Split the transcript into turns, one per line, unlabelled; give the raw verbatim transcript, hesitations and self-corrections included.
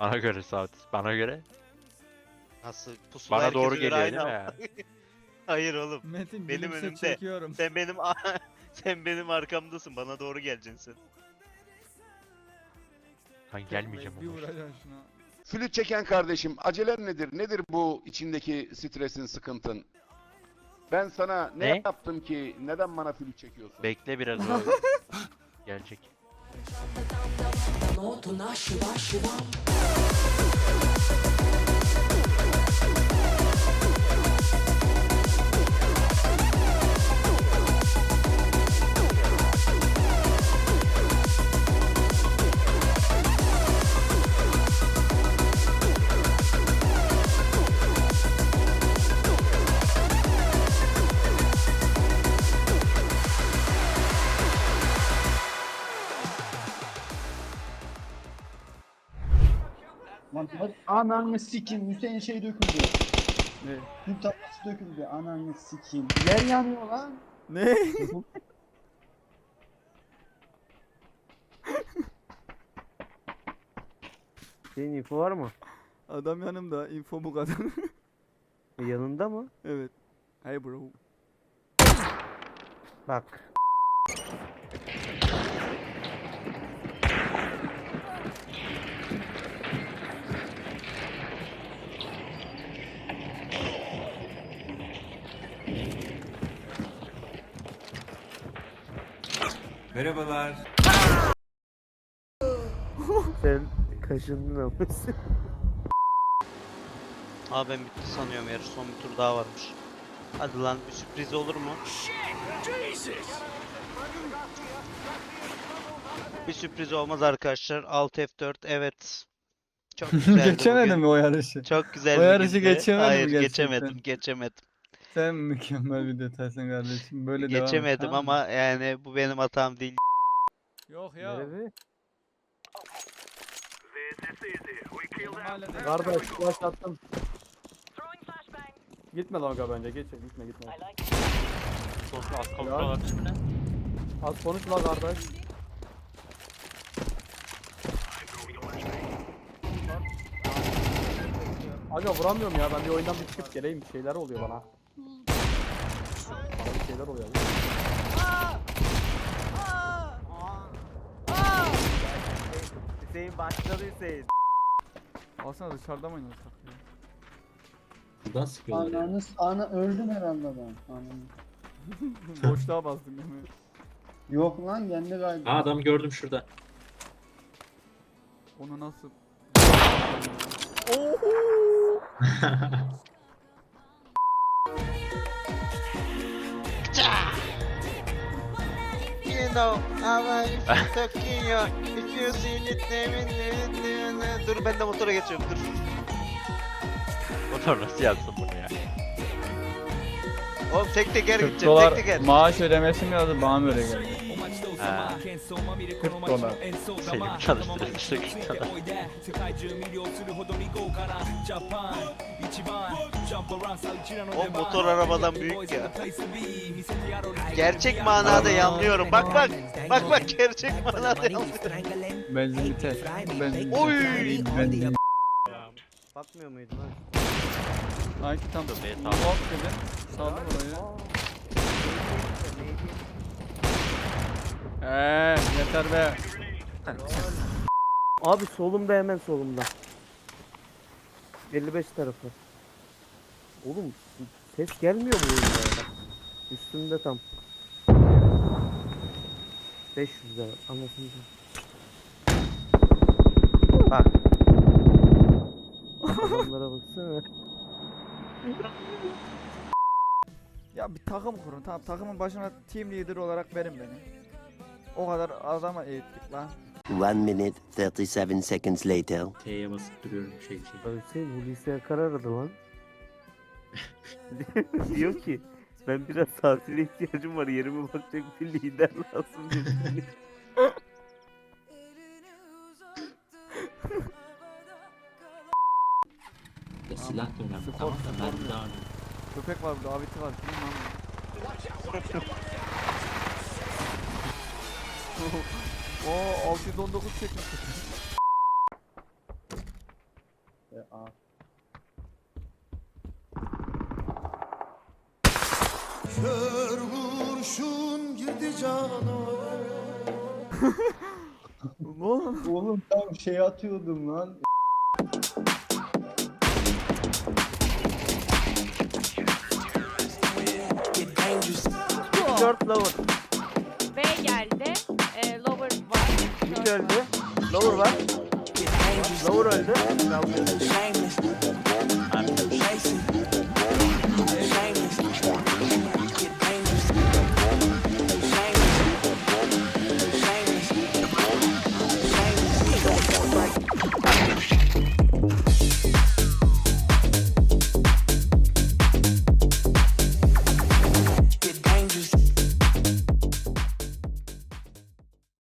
Bana göre saat. Bana göre.
Nasıl pusula
Bana doğru
herkese göre
geliyor değil
aynı
mi ya?
Hayır oğlum.
Metin
Benim
bilirse
önümde.
çekiyorum.
Sen benim sen benim arkamdasın. Bana doğru geleceksin sen.
Ben gelmeyeceğim
Bir
ama.
vuracaksın şuna.
Flüt çeken kardeşim, acelen nedir? Nedir bu içindeki stresin, sıkıntın? Ben sana ne,
Ne?
yaptım ki neden bana flüt çekiyorsun?
Bekle biraz o. Gelecek.
Lan hadi ananı sikim Hüseyin şey döküldü.
Ne?
Tüm tablası döküldü. Ananı sikim. Yer yanıyor lan.
Ne?
Senin info var mı?
Adam yanımda. Info bu kadar.
E, yanında mı?
Evet. Hey bro.
Bak.
Merhabalar.
Sen kaşındın ama.
Abi ben bitti sanıyorum, yarış son bir tur daha varmış. Hadi lan, bir sürpriz olur mu? Bir sürpriz olmaz arkadaşlar. Alt F dört, evet. Çok güzeldi
Geçemedin
bugün.
mi o yarışı?
Çok güzel
O
bir
yarışı
gündü.
geçemedin mi
Hayır,
gerçekten?
geçemedim, geçemedim.
Sen mükemmel bir detaysın kardeşim. Böyle devam et,
Geçemedim
tamam mı?
ama yani bu benim hatam değil.
Yok ya.
Nerede?
Mahallede-
Kardeş flash attım.
Gitme longa bence, geç gitme gitme.
Soslu az
kontrol olabilir Az konuşma kardeş. Aga vuramıyorum ya, ben bir oyundan bir çıkıp geleyim, bir şeyler oluyor bana. Bana bir şeyler oluyor.
Hüseyin başladı Hüseyin.
Alsana dışarıda mı oynasak ya?
Buradan sıkıyorlar ya.
Ananı ana öldüm herhalde ben. Ananı.
Boşluğa bastım yani.
Yok lan kendi kaydı.
Aa, adamı gördüm şurada.
Onu nasıl...
You know how I talking you. If you see it, dur ben de motora geçiyorum, dur.
Motor nasıl yapsın bunu ya?
Oğlum tek teker
kırk
gideceğim,
dolar
tek teker.
maaş ödemesi mi yazdı? Bana mı öyle geldi?
Ha.
kırk dolar.
Seni mi çalıştırmıştık?
O motor arabadan büyük ya. Gerçek manada yanlıyorum. Bak bak. Bak bak, gerçek manada yanlıyorum.
Benzin biter. Benzin biter.
Oy!
Benzin.
Bakmıyor muydun lan?
Ay tam.
Tabii,
Tamam.
tamam.
Dedi. Saldım orayı. Eee yeter be.
Abi solumda, hemen solumda. elli beş tarafı. Oğlum ses gelmiyor bu oyunda ya. Üstümde tam. beş yüz lira anlasın. Bak. Adamlara baksana.
Ya bir takım kurun. Tamam, takımın başına team leader olarak verin beni. O kadar adama eğittik lan.
One minute, thirty-seven seconds later.
T'ye basıp duruyorum şey için.
Hüseyin Hulusi Akar aradı lan. Diyor ki ben biraz tatile ihtiyacım var, yerime bakacak bir lider lazım diyor.
Ya silah da önemli.
Skor,
Tamam da
skor
mermi
diyor.
daha önemli.
Köpek var burada, aveti var. Kimin lan bu? Oo altı yüz on dokuz çekmiş. Ne oldu?
Oğlum tam şey atıyordum lan.
Short lower.
B geldi. E, lower var.
Mid öldü. Lower var. Lower öldü.